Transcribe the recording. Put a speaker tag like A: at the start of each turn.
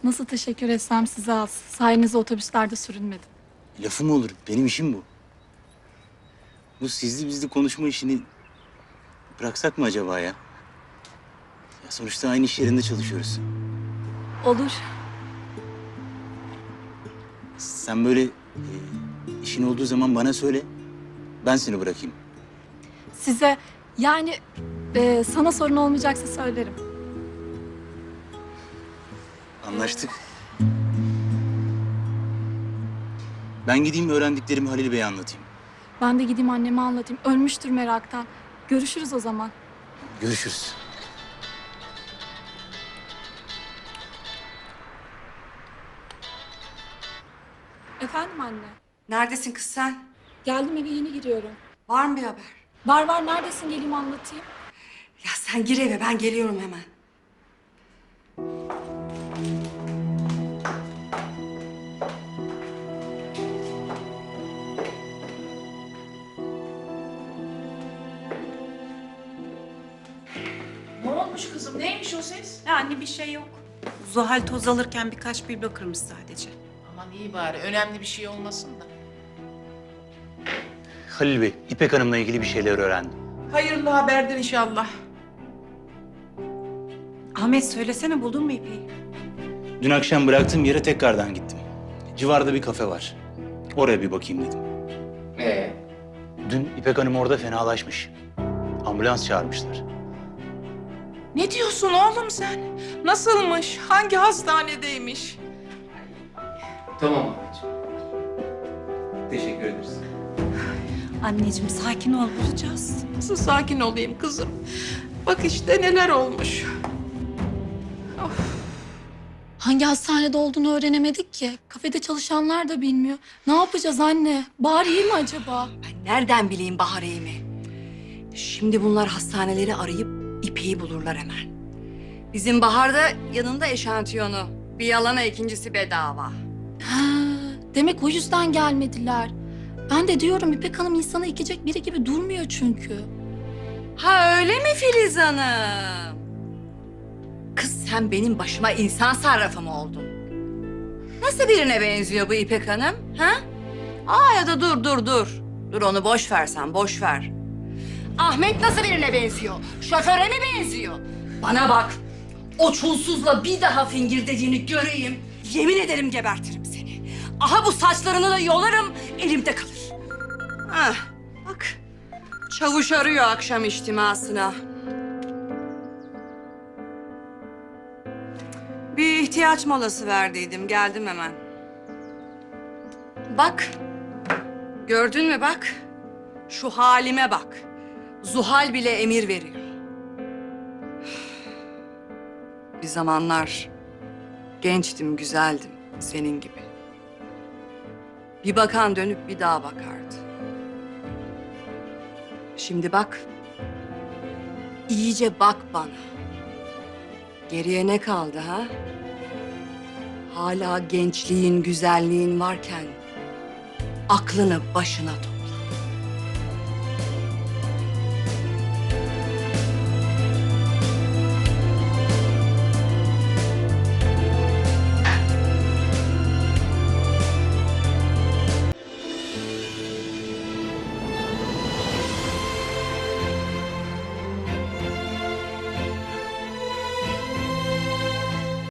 A: Nasıl teşekkür etsem size az. Sayenizde otobüslerde sürünmedim.
B: Lafı mı olur? Benim işim bu. Bu sizli bizli konuşma işini bıraksak mı acaba ya? Ya sonuçta aynı iş yerinde çalışıyoruz.
A: Olur.
B: Sen böyle işin olduğu zaman bana söyle. Ben seni bırakayım.
A: Size yani sana sorun olmayacaksa söylerim.
B: Anlaştık. Ben gideyim öğrendiklerimi Halil Bey'e anlatayım.
A: Ben de gideyim anneme anlatayım. Ölmüştür meraktan. Görüşürüz o zaman.
B: Görüşürüz.
A: Efendim anne.
C: Neredesin kız sen?
A: Geldim eve yeni giriyorum.
C: Var mı bir haber?
A: Var neredesin geleyim anlatayım.
C: Ya sen gir eve, ben geliyorum hemen.
D: Ne olmuş kızım? Neymiş o ses?
E: Yani bir şey yok. Zuhal toz alırken birkaç biblo kırmış sadece.
D: Aman iyi bari. Önemli bir şey olmasın da.
B: Halil Bey, İpek Hanım'la ilgili bir şeyler öğrendim.
D: Hayırlı haberdir inşallah.
E: Ahmet söylesene, buldun mu İpek'i?
B: Dün akşam bıraktığım yere tekrardan gittim. Civarda bir kafe var. Oraya bir bakayım dedim. Dün İpek Hanım orada fenalaşmış. Ambulans çağırmışlar.
D: Ne diyorsun oğlum sen? Nasılmış? Hangi hastanedeymiş?
F: Tamam anneciğim. Teşekkür ederiz.
E: Anneciğim sakin ol, bulacağız.
D: Nasıl sakin olayım kızım? Bak işte neler olmuş.
A: Hangi hastanede olduğunu öğrenemedik ki. Kafede çalışanlar da bilmiyor. Ne yapacağız anne? Bahar iyi mi acaba?
C: Ben nereden bileyim Bahar iyi mi? Şimdi bunlar hastaneleri arayıp İpek'i bulurlar hemen. Bizim Bahar da yanında eşantiyonu. Bir yalana ikincisi bedava.
A: Ha, demek o yüzden gelmediler. Ben de diyorum İpek Hanım insana ekecek biri gibi durmuyor çünkü.
C: Ha öyle mi Filiz Hanım? Kız sen benim başıma insan sarrafı mı oldun? Nasıl birine benziyor bu İpek Hanım? Ha? Ya da dur. Dur onu boş ver sen, boş ver. Ahmet nasıl birine benziyor? Şoföre mi benziyor? Bana bak. O çulsuzla bir daha fingirdediğini göreyim. Yemin ederim gebertirim seni. Aha bu saçlarını da yolarım, elimde kalır. Bak. Çavuş arıyor akşam içtimasına. Bir ihtiyaç molası verdiydim. Geldim hemen. Bak. Gördün mü bak. Şu halime bak. Zuhal bile emir veriyor. Bir zamanlar gençtim, güzeldim. Senin gibi. Bir bakan dönüp bir daha bakardı. Şimdi bak. İyice bak bana. Geriye ne kaldı ha? Hala gençliğin, güzelliğin varken aklını başına topla.